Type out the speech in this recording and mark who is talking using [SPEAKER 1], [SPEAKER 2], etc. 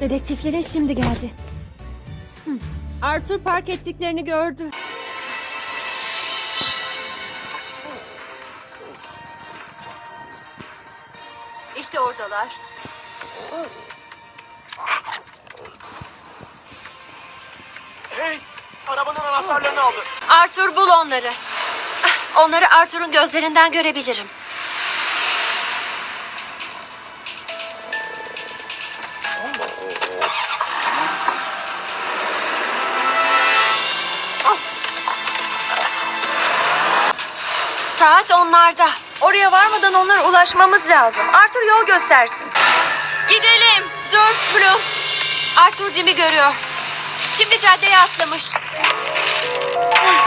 [SPEAKER 1] Dedektiflerin şimdi geldi. Arthur park ettiklerini gördü.
[SPEAKER 2] İşte oradalar.
[SPEAKER 3] Hey! Arabanın anahtarlarını aldı.
[SPEAKER 2] Arthur, bul onları. Onları Arthur'un gözlerinden görebilirim. Saat onlarda.
[SPEAKER 4] Oraya varmadan onlara ulaşmamız lazım. Arthur yol göstersin.
[SPEAKER 2] Gidelim. Dur Bloom. Arthur Jim'i görüyor. Şimdi caddeye atlamış.